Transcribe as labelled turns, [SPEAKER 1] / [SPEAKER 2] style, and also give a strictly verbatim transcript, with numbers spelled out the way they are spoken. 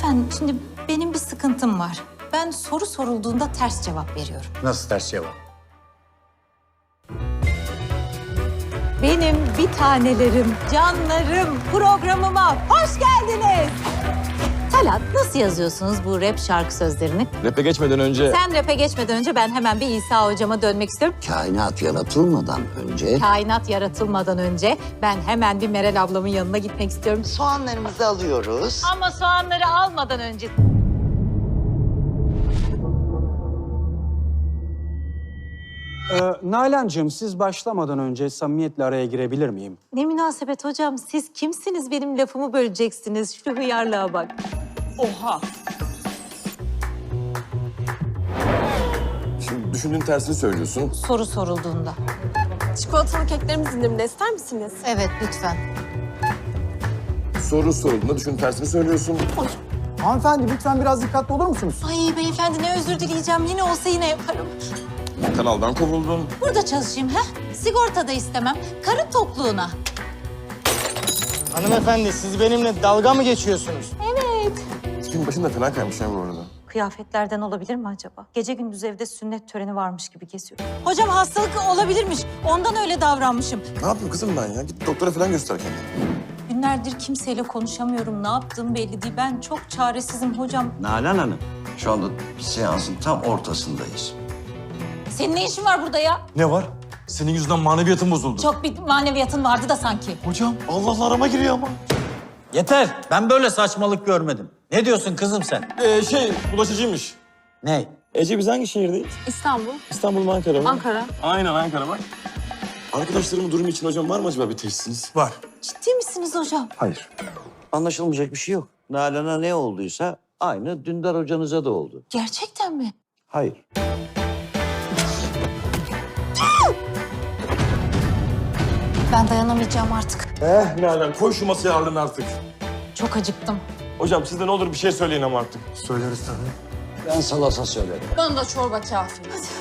[SPEAKER 1] Lütfen, şimdi benim bir sıkıntım var. Ben soru sorulduğunda ters cevap veriyorum.
[SPEAKER 2] Nasıl ters cevap?
[SPEAKER 1] Benim bir tanelerim, canlarım programıma hoş geldiniz. Talat, nasıl yazıyorsunuz bu rap şarkı sözlerini?
[SPEAKER 3] Rap'e geçmeden önce...
[SPEAKER 1] Sen rap'e geçmeden önce ben hemen bir İsa hocama dönmek istiyorum.
[SPEAKER 4] Kainat yaratılmadan önce
[SPEAKER 1] Kainat yaratılmadan önce ben hemen bir Meral ablamın yanına gitmek istiyorum.
[SPEAKER 4] soğanlarımızı alıyoruz.
[SPEAKER 1] Ama soğanları almadan önce...
[SPEAKER 5] Ee, Nalan'cığım siz başlamadan önce samimiyetle araya girebilir miyim?
[SPEAKER 1] Ne münasebet hocam, siz kimsiniz benim lafımı böleceksiniz? Şu hıyarlığa bak.
[SPEAKER 6] Oha.
[SPEAKER 3] Şimdi düşündüğün tersini söylüyorsun.
[SPEAKER 1] Soru sorulduğunda.
[SPEAKER 6] Çikolatalı keklerimiz indirimde, ister misiniz?
[SPEAKER 1] Evet, lütfen.
[SPEAKER 3] Soru sorulduğunda düşündüğün tersini söylüyorsun.
[SPEAKER 7] Hanımefendi lütfen biraz dikkatli olur musunuz?
[SPEAKER 1] Ay beyefendi, ne özür dileyeceğim. Yine olsa yine yaparım.
[SPEAKER 3] Kanaldan kovuldun.
[SPEAKER 1] Burada çalışayım ha? Sigorta da istemem. Karın tokluğuna.
[SPEAKER 7] Hanımefendi siz benimle dalga mı geçiyorsunuz?
[SPEAKER 3] Tipin başında fena kaymış ya bu arada.
[SPEAKER 1] Kıyafetlerden olabilir mi acaba? Gece gündüz evde sünnet töreni varmış gibi geziyor. Hocam hastalık olabilirmiş. Ondan öyle davranmışım.
[SPEAKER 3] Ne yapayım kızım ben ya? Git doktora falan göster kendini.
[SPEAKER 1] Günlerdir kimseyle konuşamıyorum. Ne yaptığım belli değil. Ben çok çaresizim hocam.
[SPEAKER 4] Nalan Hanım, şu anda seansın tam ortasındayız.
[SPEAKER 1] Senin ne işin var burada ya?
[SPEAKER 3] Ne var? Senin yüzünden maneviyatım bozuldu.
[SPEAKER 1] Çok bir maneviyatın vardı da sanki.
[SPEAKER 3] Hocam Allah'la arama giriyor ama.
[SPEAKER 2] Yeter. Ben böyle saçmalık görmedim. Ne diyorsun kızım sen?
[SPEAKER 3] Ee, şey bulaşıcıymış.
[SPEAKER 2] Ne?
[SPEAKER 3] Ece biz hangi şehirdeyiz?
[SPEAKER 6] İstanbul,
[SPEAKER 3] İstanbul mu Ankara mı?
[SPEAKER 6] Ankara.
[SPEAKER 3] Aynen Ankara bak. Arkadaşlarımın durumu için hocam var mı acaba bir teşhisiniz? Var.
[SPEAKER 1] Ciddi misiniz hocam?
[SPEAKER 3] Hayır.
[SPEAKER 4] Anlaşılmayacak bir şey yok. Nalan'a ne olduysa aynı Dündar hocanıza da oldu.
[SPEAKER 1] Gerçekten mi?
[SPEAKER 4] Hayır.
[SPEAKER 1] Ben dayanamayacağım artık.
[SPEAKER 3] Eh Nalan koy şu masaya ağırlığını artık.
[SPEAKER 1] Çok acıktım.
[SPEAKER 3] Hocam siz de ne olur bir şey söyleyin ama artık.
[SPEAKER 4] Ben salata söylerim.
[SPEAKER 6] Bana da çorba kafi.